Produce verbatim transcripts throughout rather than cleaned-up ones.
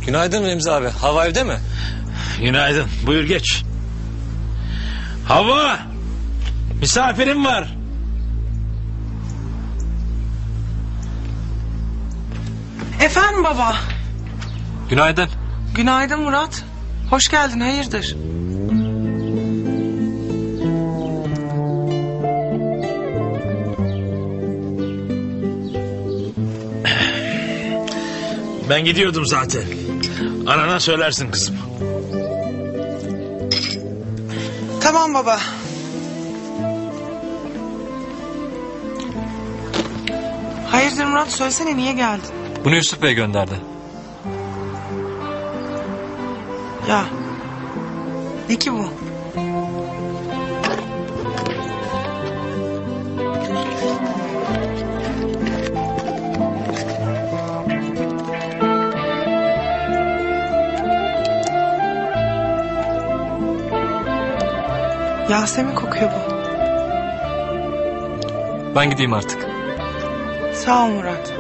Günaydın Remzi abi. Hava evde mi? Günaydın. Buyur geç. Hava! Misafirim var. Efendim baba. Günaydın. Günaydın Murat. Hoş geldin, hayırdır? Ben gidiyordum zaten. Anana söylersin kızım. Tamam baba. Hayırdır Murat, söylesene niye geldin? Bunu Yusuf Bey gönderdi. Ya. Ne ki bu? Yasemin kokuyor bu. Ben gideyim artık. Sağ ol Murat.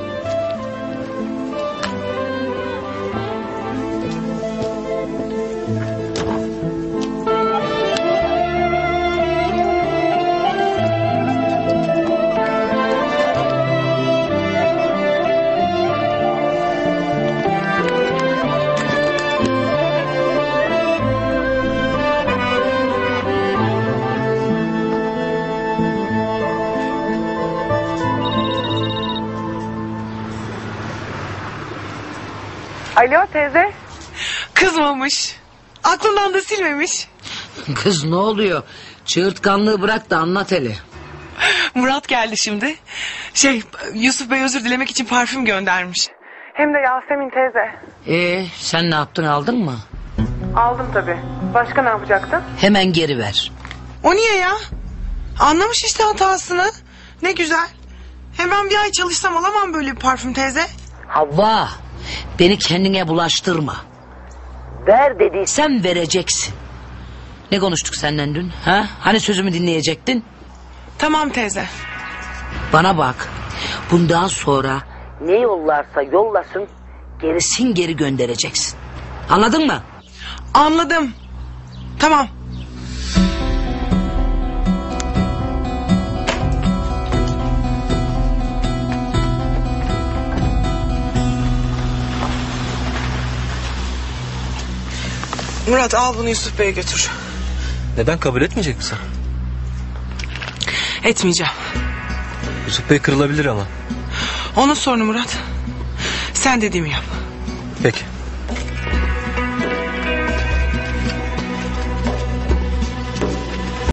Alo teyze. Kızmamış. Aklından da silmemiş. Kız ne oluyor? Çığırtkanlığı bırak da anlat hele. Murat geldi şimdi. Şey, Yusuf Bey özür dilemek için parfüm göndermiş. Hem de Yasemin teyze. Ee, sen ne yaptın, aldın mı? Aldım tabii. Başka ne yapacaktın? Hemen geri ver. O niye ya? Anlamış işte hatasını. Ne güzel. Hem ben bir ay çalışsam alamam böyle bir parfüm teyze. Havva, beni kendine bulaştırma. Ver dediysem vereceksin. Ne konuştuk senden dün? Ha? Hani sözümü dinleyecektin? Tamam teyze. Bana bak. Bundan sonra ne yollarsa yollasın, gerisin geri göndereceksin. Anladın mı? Anladım. Tamam. Murat al bunu Yusuf Bey'e götür. Neden, kabul etmeyecek misin? Etmeyeceğim. Yusuf Bey kırılabilir ama. Onun sorunu Murat. Sen dediğimi yap. Peki.